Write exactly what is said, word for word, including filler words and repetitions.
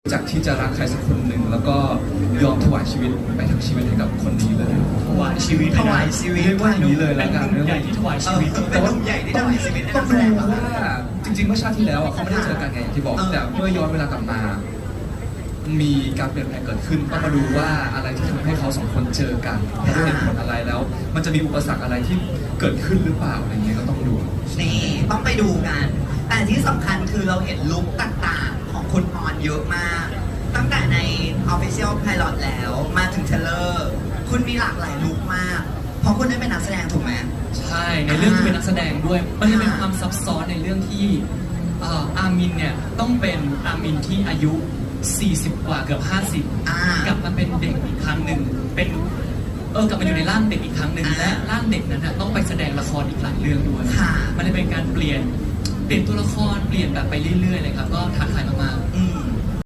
จากที่จะรักใครสักคนหนึ่งแล้วก็ยอมถวายชีวิตไปทั้งชีวิตให้กับคนนี้เลยถวายชีวิตถวายชีวิตเรียกว่าอย่างนี้เลยแล้วกันเป็นหนุ่มใหญ่ที่ถวายชีวิตเป็นหนุ่มใหญ่ที่ถวายชีวิตให้ต้นัองกแสดูดงว่าจริงๆเมื่อชาติที่แล้วอ่ะเขาไม่ได้เจอกันไงอย่างที่บอกแต่เมื่อย้อนเวลากลับมา มีการเปลี่ยนแปลงเกิดขึ้นต้องมาดูว่าอะไรที่ทำให้เขาสองคนเจอกันเพราะเหตุผลอะไรแล้ว มันจะมีอุปสรรคอะไรที่เกิดขึ้นหรือเปล่าอะไรเงี้ยก็ต้องดูนี่ต้องไปดูกัน แต่ที่สำคัญคือเราเห็นลุคต่างๆ ของคุณออนเยอะมาก ตั้งแต่ใน Official Pilot แล้วมาถึงเทเลอร์คุณมีหลากหลายลุคมาก เพราะคุณได้เป็นนักแสดงถูกไหมใช่ในเรื่องที่เป็นนักแสดงด้วยมันจะเป็นความซับซ้อนในเรื่องที่เอ่ออามินเนี่ยต้องเป็นอามินที่อายุสี่สิบกว่าเกือบห้าสิบอ่ากลับมาเป็นเด็กอีกครั้งหนึ่งเป็นเออกลับมาอยู่ในร่างเด็กอีกครั้งหนึ่งอ่าและร่างเด็กนั้นน่ะต้องไปแสดงละครอีกหลายเรื่องด้วยค่ะมันจะเป็นการเปลี่ยนเปลี่ยนตัวละครเปลี่ยนแบบไปเรื่อยๆเลยครับก็ท้าทายมากอืม